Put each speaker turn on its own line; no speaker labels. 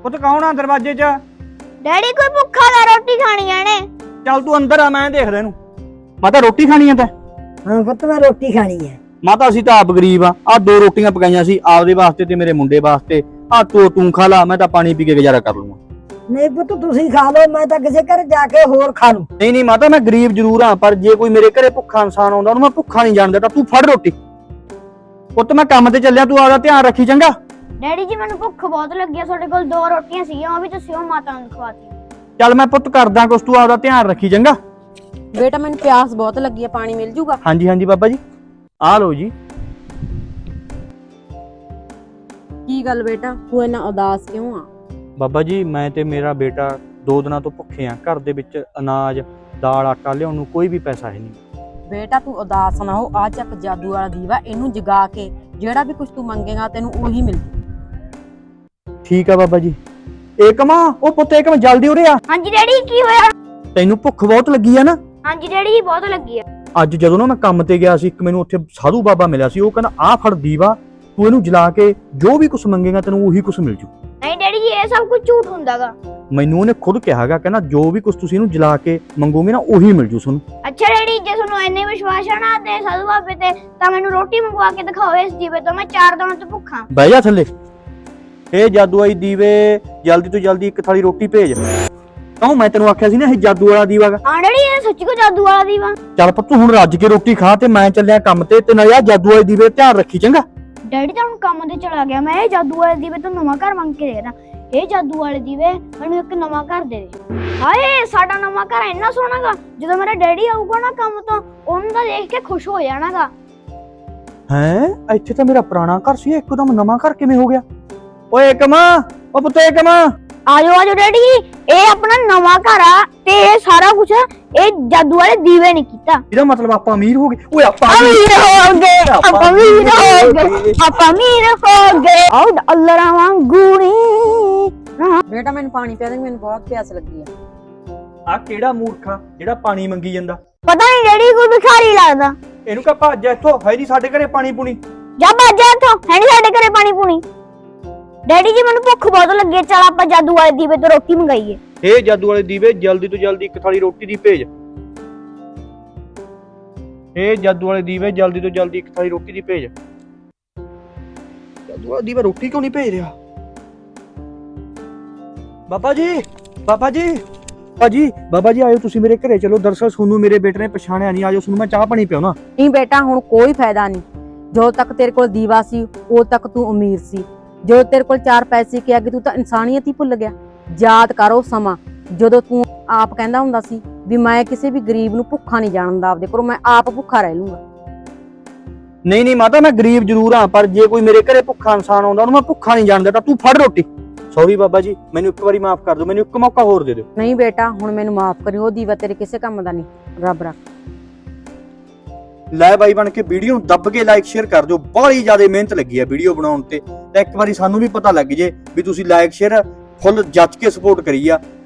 ਪੁੱਤ ਕੌਣ ਆ ਦਰਵਾਜ਼ੇ 'ਚ?
ਡੈਡੀ ਕੋਈ ਭੁੱਖਾ ਦਾ ਰੋਟੀ ਖਾਣੀ ਆਣੇ।
ਚੱਲ ਤੂੰ ਅੰਦਰ ਆ, ਮੈਂ ਦੇਖਦਾ ਇਹਨੂੰ। ਮਾਤਾ ਰੋਟੀ ਖਾਣੀ ਆ ਤੈਂ?
ਹਾਂ ਪੁੱਤ ਮੈਂ ਰੋਟੀ ਖਾਣੀ ਹੈ।
ਮਾਤਾ ਅਸੀਂ ਤਾਂ ਆਪ ਗਰੀਬ ਆ। ਆਹ 2 ਰੋਟੀਆਂ ਪਕਾਈਆਂ ਸੀ ਆਪਦੇ ਵਾਸਤੇ ਤੇ ਮੇਰੇ ਮੁੰਡੇ ਵਾਸਤੇ। ਆਹ ਤੂੰ ਖਾ ਲਾ, ਮੈਂ ਤਾਂ ਪਾਣੀ ਪੀ ਕੇ ਗੁਜ਼ਾਰਾ ਕਰ ਲੂੰਗਾ।
ਨਹੀਂ ਪੁੱਤ ਤੁਸੀਂ ਖਾ ਲਓ, ਮੈਂ ਤਾਂ ਕਿਸੇ ਘਰ ਜਾ ਕੇ ਹੋਰ ਖਾ ਲੂੰ।
ਨਹੀਂ ਮਾਤਾ, ਮੈਂ ਗਰੀਬ ਜ਼ਰੂਰ ਆ, ਪਰ ਜੇ ਕੋਈ ਮੇਰੇ ਘਰੇ ਭੁੱਖਾ ਇਨਸਾਨ ਆਉਂਦਾ ਉਹਨੂੰ ਮੈਂ ਭੁੱਖਾ ਨਹੀਂ ਜਾਣ ਦਿੰਦਾ। ਤੂੰ ਫੜ ਰੋਟੀ। ਪੁੱਤ ਮੈਂ ਕੰਮ ਤੇ ਚੱਲਿਆ, ਤੂੰ ਆਪਦਾ ਧਿਆਨ ਰੱਖੀ ਚੰਗਾ।
ਡੈਡੀ ਜੀ ਮੈਨੂੰ ਭੁੱਖ ਬਹੁਤ ਲੱਗੀ ਆ, ਤੁਹਾਡੇ ਕੋਲ 2 ਰੋਟੀਆਂ ਸੀਗੀਆਂ, ਉਹ ਵੀ ਤੁਸੀਂ ਉਹ ਮਾਤਾ ਨੂੰ ਖਵਾਤੀ।
ਚੱਲ ਮੈਂ ਪੁੱਤ ਕਰਦਾ ਕੁਛ, ਤੂੰ ਆਪਦਾ ਧਿਆਨ ਰੱਖੀ ਚੰਗਾ।
ਬੇਟਾ ਮੈਨੂੰ ਪਿਆਸ ਬਹੁਤ ਲੱਗੀ ਆ, ਪਾਣੀ ਮਿਲ ਜੂਗਾ?
ਹਾਂਜੀ ਬਾਬਾ ਜੀ, ਆ ਲਓ ਜੀ।
ਕੀ ਗੱਲ ਬੇਟਾ, ਤੂੰ ਇੰਨਾ ਉਦਾਸ ਕਿਉਂ ਆ?
ਬਾਬਾ ਜੀ ਮੈਂ ਤੇ ਮੇਰਾ ਬੇਟਾ 2 ਦਿਨਾਂ ਤੋਂ ਭੁੱਖੇ ਆ। ਘਰ ਦੇ ਵਿੱਚ ਅਨਾਜ, ਦਾਲ, ਆਟਾ ਲਿਆਉਣ ਨੂੰ ਕੋਈ ਵੀ ਪੈਸਾ ਹੈ ਨਹੀਂ।
ਬੇਟਾ ਤੂੰ ਉਦਾਸ ਨਾ ਹੋ, ਆ ਚੱਕ ਜਾਦੂ ਵਾਲਾ ਦੀਵਾ, ਇਹਨੂੰ ਜਗਾ ਕੇ ਜਿਹੜਾ ਵੀ ਕੁਝ ਤੂੰ ਮੰਗੇਗਾ ਤੈਨੂੰ ਉਹੀ ਮਿਲ।
ਠੀਕ ਆ ਬਾਬਾ ਜੀ। ਏਕਮਾ, ਉਹ ਪੁੱਤ ਏਕਮ ਜਲਦੀ ਉਰੇ ਆ।
ਹਾਂਜੀ ਡੈਡੀ ਕੀ ਹੋਇਆ?
ਤੈਨੂੰ ਭੁੱਖ ਬਹੁਤ ਲੱਗੀ ਆ ਨਾ?
ਹਾਂਜੀ ਡੈਡੀ ਜੀ ਬਹੁਤ ਲੱਗੀ ਆ।
ਅੱਜ ਜਦੋਂ ਨਾ ਮੈਂ ਕੰਮ ਤੇ ਗਿਆ ਸੀ, ਇੱਕ ਮੈਨੂੰ ਉੱਥੇ ਸਾਧੂ ਬਾਬਾ ਮਿਲਿਆ ਸੀ। ਉਹ ਕਹਿੰਦਾ ਆਹ ਫੜ ਦੀਵਾ, ਤੂੰ ਇਹਨੂੰ ਜਲਾ ਕੇ ਜੋ ਵੀ ਕੁਝ ਮੰਗੇਗਾ ਤੈਨੂੰ ਉਹੀ ਕੁਝ ਮਿਲ ਜੂ।
ਨਹੀਂ ਡੈਡੀ ਜੀ ਇਹ ਸਭ ਕੁਝ ਝੂਠ ਹੁੰਦਾਗਾ।
ਮੈਨੂੰ ਉਹਨੇ ਖੁਦ ਕਿਹਾਗਾ, ਕਹਿੰਦਾ ਜੋ ਵੀ ਕੁਝ ਤੁਸੀਂ ਇਹਨੂੰ ਜਲਾ ਕੇ ਮੰਗੋਗੇ ਨਾ ਉਹੀ ਮਿਲ ਜੂ ਤੁਹਾਨੂੰ।
ਅੱਛਾ ਡੈਡੀ, ਜੇ ਤੁਹਾਨੂੰ ਇੰਨੇ ਵਿਸ਼ਵਾਸ ਆ ਨਾ ਤੇ ਸਾਧੂ ਬਾਬੇ ਤੇ, ਤਾਂ ਮੈਨੂੰ ਰੋਟੀ ਮੰਗਵਾ ਕੇ ਦਿਖਾਓ ਇਸ ਦੀਵੇ ਤੋਂ। ਮੈਂ 4 ਦਿਨਾਂ ਤੋਂ ਭੁੱਖਾ।
ਬਹਿ ਜਾ ਥੱਲੇ। ਇਹ ਜਾਦੂ ਆਈ ਦੀਵੇ, ਜਲਦੀ ਤੋਂ ਜਲਦੀ ਇੱਕ ਥਾਲੀ ਰੋਟੀ ਭੇਜ। ਕਿਉਂ, ਮੈਂ ਤੈਨੂੰ ਆਖਿਆ ਸੀ ਨਾ ਇਹ ਜਾਦੂ ਵਾਲਾ ਦੀਵਾ ਗਾ।
ਹਾਂ ਡੈਡੀ ਇਹ ਸੱਚੀ ਕੋ ਜਾਦੂ ਵਾਲਾ ਦੀਵਾ।
ਚੱਲ ਪੁੱਤ ਹੁਣ ਰੱਜ ਕੇ ਰੋਟੀ ਖਾ, ਤੇ ਮੈਂ ਚੱਲਿਆ ਕੰਮ ਤੇ ਨਾਲੇ ਆ ਜਾਦੂ ਵਾਲੇ ਦੀਵੇ ਧਿਆਨ ਰੱਖੀ ਚੰਗਾ।
ਡੈਡੀ ਤਾਂ ਹੁਣ ਕੰਮ ਤੇ ਚਲਾ ਗਿਆ। ਮੈਂ ਇਹ ਜਾਦੂ ਵਾਲੇ ਦੀਵੇ ਤੋਂ ਨਵਾਂ ਘਰ ਮੰਗ ਕੇ ਦੇਣਾ। ਇਹ ਜਾਦੂ ਵਾਲੇ ਦੀਵੇ ਮੈਨੂੰ ਇੱਕ ਨਵਾਂ ਘਰ ਦੇ ਦੇ। ਹਾਏ ਸਾਡਾ ਨਵਾਂ ਘਰ ਇੰਨਾ ਸੋਹਣਾਗਾ, ਜਦੋਂ ਮੇਰਾ ਡੈਡੀ ਆਊਗਾ ਨਾ ਕੰਮ ਤੋਂ, ਉਹਨੂੰ ਤਾਂ ਦੇਖ ਕੇ ਖੁਸ਼ ਹੋ ਜਾਣਾਗਾ।
ਹੈ, ਇੱਥੇ ਤਾਂ ਮੇਰਾ ਪੁਰਾਣਾ ਘਰ ਸੀ, ਇੱਕਦਮ ਨਵਾਂ ਘਰ ਕਿਵੇਂ ਹੋ ਗਿਆ? ਓਏ ਏਕਮਾ, ਉਹ ਪੁੱਤ ਏਕਮਾ,
ਆਜੋ ਡੈਡੀ, ਇਹ ਆਪਣਾ ਨਵਾਂ ਘਰ ਆ ਤੇ ਇਹ ਸਾਰਾ ਕੁਝ ਇਹ ਜਾਦੂ ਵਾਲੇ ਦੀਵੇ ਨੇ ਕੀਤਾ।
ਇਹਦਾ ਮਤਲਬ ਆਪਾਂ ਅਮੀਰ ਹੋ ਗਏ। ਓਏ ਆਪਾਂ
ਅਮੀਰ ਹੋ ਗਏ, ਆਪਾਂ ਅਮੀਰ ਹੋ ਗਏ, ਆਪਾਂ ਅਮੀਰ ਹੋ ਗਏ। ਆਉ ਅੱਲਰਾ ਵਾਂਗੂਣੀ।
ਬੇਟਾ ਮੈਨੂੰ ਪਾਣੀ ਪਿਆ ਦੇ, ਮੈਨੂੰ ਬਹੁਤ ਪਿਆਸ ਲੱਗੀ ਆ।
ਆ ਕਿਹੜਾ ਮੂਰਖਾ ਜਿਹੜਾ ਪਾਣੀ ਮੰਗੀ ਜਾਂਦਾ?
ਪਤਾ ਨਹੀਂ ਡੈਡੀ ਕੋਈ ਭਿਖਾਰੀ ਲੱਗਦਾ।
ਇਹਨੂੰ ਕਹ ਭੱਜ ਜਾ ਇੱਥੋਂ, ਹੈ ਨਹੀਂ ਸਾਡੇ ਘਰੇ ਪਾਣੀ ਪੂਣੀ।
ਜਾ ਭੱਜ ਜਾ ਇੱਥੋਂ, ਹੈ ਨਹੀਂ ਸਾਡੇ ਘਰੇ ਪਾਣੀ ਪੂਣੀ। ਡੈਡੀ ਜੀ ਮੈਨੂੰ ਭੁੱਖ ਬਹੁਤ ਲੱਗੀ ਹੈ, ਚਲ ਆਪਾਂ ਜਾਦੂ ਵਾਲੇ ਦੀਵੇ ਤੋਂ ਰੋਟੀ ਮੰਗਾਈਏ।
ਇਹ ਜਾਦੂ ਵਾਲੇ ਦੀਵੇ ਜਲਦੀ ਤੋਂ ਜਲਦੀ ਇੱਕ ਥਾਲੀ ਰੋਟੀ ਦੀ ਭੇਜ। ਇਹ ਜਾਦੂ ਵਾਲੇ ਦੀਵੇ ਜਲਦੀ ਤੋਂ ਜਲਦੀ ਇੱਕ ਥਾਲੀ ਰੋਟੀ ਦੀ ਭੇਜ। ਜਾਦੂ ਵਾਲਾ ਦੀਵਾ ਰੋਟੀ ਕਿਉਂ ਨਹੀਂ ਭੇਜ ਰਿਹਾ? ਬਾਬਾ ਜੀ, ਬਾਬਾ ਜੀ, ਬਾਬਾ ਜੀ ਆਇਓ ਤੁਸੀਂ ਮੇਰੇ ਘਰੇ ਚਲੋ। ਦਰਅਸਲ ਤੁਹਾਨੂੰ ਮੇਰੇ ਬੇਟੇ ਨੇ ਪਛਾਣਿਆ ਨਹੀਂ। ਆਜੋ, ਤੁਹਾਨੂੰ ਮੈਂ ਚਾਹ ਪਾਣੀ ਪਿਆਉਣਾ।
ਨਹੀਂ ਬੇਟਾ ਹੁਣ ਕੋਈ ਫਾਇਦਾ ਨਹੀਂ। ਜੋ ਤੱਕ ਤੇਰੇ ਕੋਲ ਦੀਵਾ ਸੀ ਉਦੋਂ ਤੱਕ ਤੂੰ ਅਮੀਰ ਸੀ। ਜੋ ਤੇਰੇ ਕੋਲ 4 ਪੈਸੇ ਕੇ ਅੱਗੇ ਤੂੰ ਤਾਂ ਇਨਸਾਨੀਅਤ ਹੀ ਭੁੱਲ ਗਿਆ। ਯਾਦ ਕਰੋ ਸਮਾਂ ਜਦੋਂ ਤੂੰ ਆਪ ਕਹਿੰਦਾ ਹੁੰਦਾ ਸੀ ਵੀ ਮੈਂ ਕਿਸੇ ਵੀ ਗਰੀਬ ਨੂੰ ਭੁੱਖਾ ਨਹੀਂ ਜਾਣ ਦਿੰਦਾ, ਆਪਦੇ ਕੋਲ ਮੈਂ ਆਪ ਭੁੱਖਾ ਰਹਿ ਲੂੰਗਾ।
ਨਹੀਂ ਮਾਤਾ, ਮੈਂ ਗਰੀਬ ਜ਼ਰੂਰ ਹਾਂ, ਪਰ ਜੇ ਕੋਈ ਮੇਰੇ ਘਰੇ ਭੁੱਖਾ ਇਨਸਾਨ ਆਉਂਦਾ ਉਹਨੂੰ ਮੈਂ ਭੁੱਖਾ ਨਹੀਂ ਜਾਣ ਦਿੰਦਾ। ਤੂੰ ਫੜ ਰੋਟੀ। ਸੌਰੀ ਬਾਬਾ ਜੀ, ਮੈਨੂੰ ਇੱਕ ਵਾਰੀ ਮਾਫ ਕਰ ਦਿਓ, ਮੈਨੂੰ ਇੱਕ ਮੌਕਾ ਹੋਰ ਦੇ ਦਿਓ।
ਨਹੀਂ ਬੇਟਾ ਹੁਣ ਮੈਨੂੰ ਮਾਫ ਕਰੀ, ਉਹ ਦੀਵਾ ਤੇਰੇ ਕਿਸੇ ਕੰਮ ਦਾ ਨਹੀਂ, ਰੱਬ ਰੱਖ।
ਲੈ ਬਾਈ ਬਣ ਕੇ ਵੀਡੀਓ ਨੂੰ ਦੱਬ ਕੇ ਲਾਈਕ ਸ਼ੇਅਰ ਕਰ ਦਿਓ। ਬਹੁਤ ਜ਼ਿਆਦਾ ਮਿਹਨਤ ਲੱਗੀ ਹੈ ਵੀਡੀਓ ਬਣਾਉਣ ਤੇ, ਤਾਂ ਇੱਕ ਵਾਰੀ ਸਾਨੂੰ ਵੀ ਪਤਾ ਲੱਗ ਜੇ ਵੀ ਤੁਸੀਂ ਲਾਈਕ ਸ਼ੇਅਰ ਫੁੱਲ ਜੱਜ ਕੇ ਸਪੋਰਟ ਕਰੀ ਆ।